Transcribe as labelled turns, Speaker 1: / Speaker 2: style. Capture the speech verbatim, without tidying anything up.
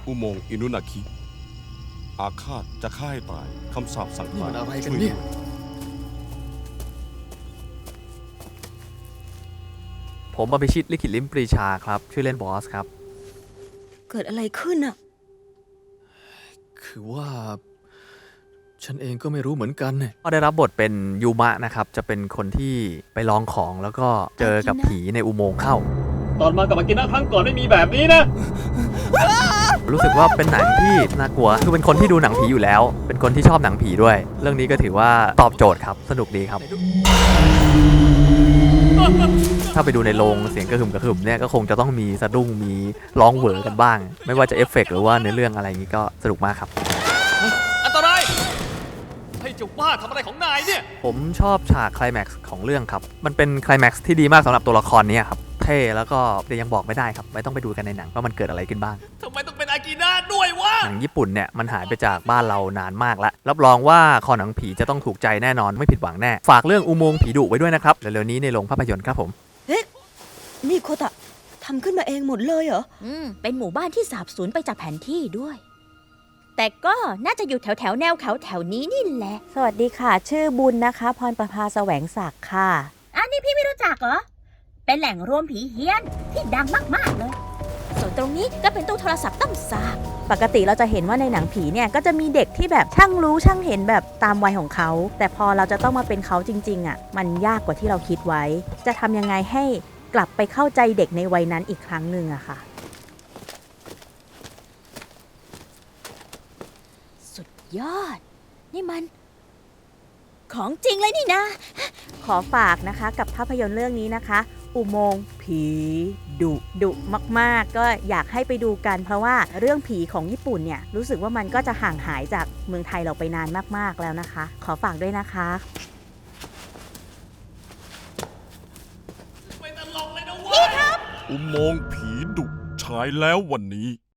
Speaker 1: อุโมงค์อินุนาคิอาฆาตจะฆ่าให้ตายคำสาปสั่ง
Speaker 2: นี่
Speaker 1: ตาย
Speaker 2: มันอะไรกัน
Speaker 1: ช่วย
Speaker 2: เนี่ย
Speaker 1: ด้วย
Speaker 3: ผมอภิชิตลิขิตลิ้มปรีชาครับ ชื่อเล่นบอสครับ
Speaker 4: เกิดอะไรขึ้นอะ
Speaker 2: คือว่า ฉันเองก็ไม่รู้เหมือนกันเนี่ย
Speaker 3: ก็ได้รับบทเป็นยูมะนะครับ จะเป็นคนที่ไปลองของแล้วก็เจอกับผีในอุโมงค์เข้า
Speaker 5: ตอนมากับอากินะครั้งก่อนไม่มีแบบนี้นะ
Speaker 3: รู้สึกว่าเป็นหนังที่น่ากลัว คือเป็นคนที่ดูหนังผีอยู่แล้ว เป็นคนที่ชอบหนังผีด้วย เรื่องนี้ก็ถือว่าตอบโจทย์ครับ สนุกดีครับ ถ้าไปดูในโรงเสียงกระหึ่มกระหึ่มเนี่ยก็คงจะต้องมีสะดุ้งมีร้องเหวอกันบ้าง ไม่ว่าจะเอฟเฟกต์หรือว่าเนื้อเรื่องอะไรอย่างนี้ก็สนุกมากครับ
Speaker 5: อันตราย ให้เจ้าบ้าทำอะไรของนายเนี่ย
Speaker 3: ผมชอบฉากไคลแม็กซ์ของเรื่องครับ มันเป็นไคลแม็กซ์ที่ดีมากสำหรับตัวละครนี้ครับ เท่แล้วก็แต่ยังบอกไม่ได้ครับ ไม่ต้องไปดูกันในหนังว่ามันเกิดอะไรขึ้นบ้าง
Speaker 5: ทำไมต้องเป็นอากินะด้วยวะ
Speaker 3: หนังญี่ปุ่นเนี่ยมันหายไปจากบ้านเรานานมากแล้ว รับรองว่าคอหนังผีจะต้องถูกใจแน่นอนไม่ผิดหวังแน่ ฝากเรื่องอุโมงค์ผีดุไว้ด้วยนะครับ เร็วๆนี้ในโรงภาพยนตร์ครับผม
Speaker 4: เฮ้ยนี่โคตะทำขึ้นมาเองหมดเลยเหรอ
Speaker 6: อืม เป็นหมู่บ้านที่สาบสูญไปจากแผนที่ด้วย แต่ก็น่าจะอยู่แถวแถวๆแนวเขาแถวนี้นี่แหละ
Speaker 7: สวัสดีค่ะ ชื่อบุญนะคะ พรประภาแสวงศักดิ์ค่ะ
Speaker 6: อันนี้พี่ไม่รู้จักเหรอ เป็นแหล่งรวมผีเฮี้ยนที่ดังมาก ๆ เลย ส่วนตรงนี้ก็เป็นตู้โทรศัพท์ต้องสาบ
Speaker 7: ปกติเราจะเห็นว่าในหนังผีเนี่ย ก็จะมีเด็กที่แบบช่างรู้ช่างเห็นแบบตามวัยของเขา แต่พอเราจะต้องมาเป็นเขาจริง ๆอ่ะมันยากกว่าที่เราคิดไว้ จะทำยังไงให้กลับไปเข้าใจเด็กในวัยนั้นอีกครั้งหนึ่งอะค่ะ
Speaker 6: สุดยอด นี่มัน ของจริงเลยนี่นะ
Speaker 7: ขอฝากนะคะกับภาพยนตร์เรื่องนี้นะคะ อุโมงค์ผีดุดุมากๆ ก็อยากให้ไปดูกัน เพราะว่าเรื่องผีของญี่ปุ่นเนี่ยรู้สึกว่ามันก็จะห่างหายจากเมืองไทยเราไปนานมากๆแล้วนะคะ ขอฝากด้วยนะคะ
Speaker 5: ไม่ตลกเลยนะเว้ย
Speaker 1: อุโมงค์ผีดุฉายแล้ววันนี้